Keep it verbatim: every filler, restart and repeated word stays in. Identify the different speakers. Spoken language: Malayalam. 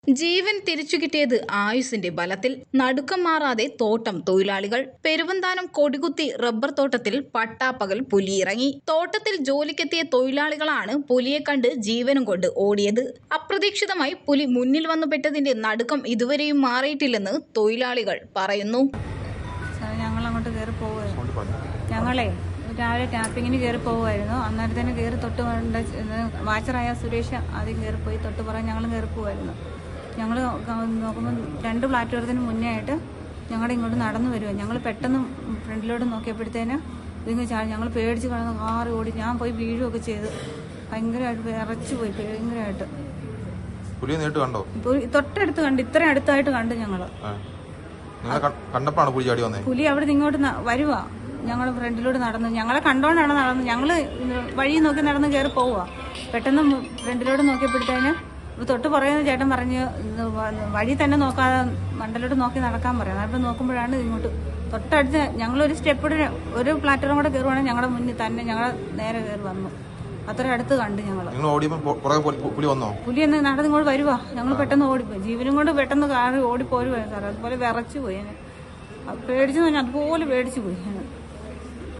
Speaker 1: ജീവൻ തിരിച്ചു കിട്ടിയത് ആയുസിന്റെ ബലത്തിൽ. നടുക്കം മാറാതെ തോട്ടം തൊഴിലാളികൾ. പെരുവന്താനം കൊടികുത്തി റബ്ബർ തോട്ടത്തിൽ പട്ടാപ്പകൽ പുലിയിറങ്ങി. തോട്ടത്തിൽ ജോലിക്കെത്തിയ തൊഴിലാളികളാണ് പുലിയെ കണ്ട് ജീവനും കൊണ്ട് ഓടിയത്. അപ്രതീക്ഷിതമായി പുലി മുന്നിൽ വന്നു പെട്ടതിന്റെ നടുക്കം ഇതുവരെയും മാറിയിട്ടില്ലെന്ന് തൊഴിലാളികൾ പറയുന്നു.
Speaker 2: ഞങ്ങൾ അങ്ങോട്ട് കയറി പോവുകയായിരുന്നു. ഞങ്ങളെ രാവിലെ ടാപ്പിങ്ങിന് കയറി പോകുമായിരുന്നു. അന്നേരത്തേന് കയറി തൊട്ട് വാച്ചറായ സുരേഷ് ആദ്യം കയറിപ്പോയി. തൊട്ട് പറയാൻ ഞങ്ങൾ കയറി പോകുമായിരുന്നു. ഞങ്ങൾ നോക്കുമ്പോൾ രണ്ട് പ്ലാറ്റ്ഫോറത്തിന് മുന്നേ ആയിട്ട് ഞങ്ങളുടെ ഇങ്ങോട്ട് നടന്നു വരുമോ. ഞങ്ങൾ പെട്ടെന്ന് ഫ്രണ്ടിലോട്ട് നോക്കിയപ്പോഴത്തേന് ഇതിങ്ങനെ ചാടി ഞങ്ങൾ പേടിച്ച് കിടന്ന് കാറി ഓടി. ഞാൻ പോയി വീഴുകയൊക്കെ ചെയ്ത് ഭയങ്കരമായിട്ട് വിറച്ചു പോയി. ഭയങ്കരമായിട്ട് തൊട്ടടുത്ത് കണ്ട്, ഇത്രയും അടുത്തായിട്ട് കണ്ട് ഞങ്ങള്. പുലി അവിടെ നിന്ന് ഇങ്ങോട്ട് വരുവാ. ഞങ്ങൾ ഫ്രണ്ടിലോട്ട് നടന്നു. ഞങ്ങളെ കണ്ടോണ്ടാണ് നടന്നത്. ഞങ്ങള് വഴി നോക്കി നടന്ന് കയറി പോവുക. പെട്ടെന്ന് ഫ്രണ്ടിലോട്ട് നോക്കിയപ്പോഴത്തേന് തൊട്ട് പറയുന്ന ചേട്ടൻ പറഞ്ഞ് വഴി തന്നെ നോക്കാതെ മണ്ടലോട്ട് നോക്കി നടക്കാൻ പറയാം. അവിടെ നോക്കുമ്പോഴാണ് ഇങ്ങോട്ട് തൊട്ടടുത്ത് ഞങ്ങളൊരു സ്റ്റെപ്പ് ഒരു പ്ലാറ്റ്ഫോം കൂടെ കയറുവാണെങ്കിൽ ഞങ്ങളുടെ മുന്നിൽ തന്നെ ഞങ്ങളെ നേരെ കയറി വന്നു. അത്ര അടുത്ത് കണ്ട് ഞങ്ങള്. പുലി എന്ന് നടന്ന് ഇങ്ങോട്ട് വരുവാ. ഞങ്ങൾ പെട്ടെന്ന് ഓടിപ്പോയി. ജീവനും കൊണ്ട് പെട്ടെന്ന് കാറി ഓടിപ്പോരുവാ സാർ. അതുപോലെ വിറച്ചു പോയി. പേടിച്ചു പറഞ്ഞാൽ അതുപോലെ പേടിച്ചു പോയി.